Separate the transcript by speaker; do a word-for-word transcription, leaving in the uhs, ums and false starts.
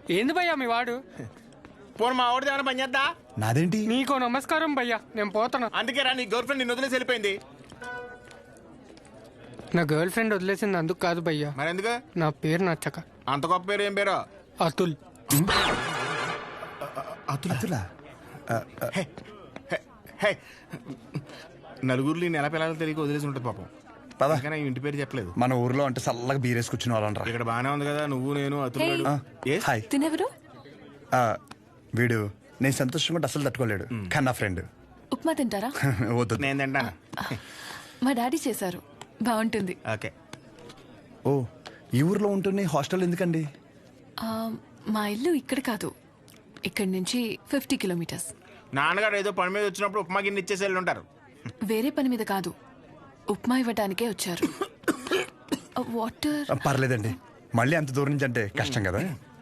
Speaker 1: ఏంది భయ్యా మీ వాడు?
Speaker 2: పోను మా వాడిది ఏమైనా పని చేద్దా?
Speaker 3: నాదేంటి?
Speaker 1: నీకో నమస్కారం భయ్యా, నేను పోతాను.
Speaker 2: అందుకే రా, నీ గర్ల్ ఫ్రెండ్ నిన్ను వదిలేసి వెళ్ళిపోయింది.
Speaker 1: నా గర్ల్ ఫ్రెండ్ వదిలేసింది అందుకు కాదు భయ్యా,
Speaker 2: మరి ఎందుకు?
Speaker 1: నా పేరు నచ్చక.
Speaker 2: అంత గొప్ప పేరు ఏం పేరు?
Speaker 1: అతుల్.
Speaker 3: అతులా?
Speaker 2: హే, హే, హే. నలుగురిలో నెల పిల్లలు తెలియక వదిలేసి ఉంటుంది పాపం.
Speaker 3: పద.
Speaker 2: కానీ ఇంటి పేరు చెప్పలేదు.
Speaker 3: మన ఊర్లో అంటే చల్లగా బీరేసి కూర్చుని వాళ్ళనరా.
Speaker 2: ఇక్కడ బానే ఉంది కదా, నువ్వు నేను అతులు.
Speaker 3: హాయ్.
Speaker 4: తినెవరు?
Speaker 3: ఆ, వీడు నేను సంతోషంగా ఉంటే అసలు తట్టుకోలేడు, కానీ నా ఫ్రెండ్.
Speaker 4: ఉప్మా తింటారా?
Speaker 3: వద్దు.
Speaker 2: నేను తింటాను.
Speaker 4: మా డాడీ చేశారు, బాగుంటుంది.
Speaker 2: ఓకే.
Speaker 3: ఓ, ఈ ఊర్లో ఉంటుంది, హాస్టల్ ఎందుకండి?
Speaker 4: ఆ, మా ఇల్లు ఇక్కడ కాదు, ఇక్కడి నుంచి ఫిఫ్టీ కిలోమీటర్స్.
Speaker 2: నాన్నగారు ఏదో పని మీద వచ్చినప్పుడు ఉప్మా గిన్నె ఇచ్చేసి వెళ్ళి ఉంటారు.
Speaker 4: వేరే పని మీద కాదు, ఉప్మా ఇవ్వడానికే వచ్చారు. వాటర్?
Speaker 3: పర్లేదండి, మళ్ళీ అంత దూరం నుంచి అంటే కష్టం కదా.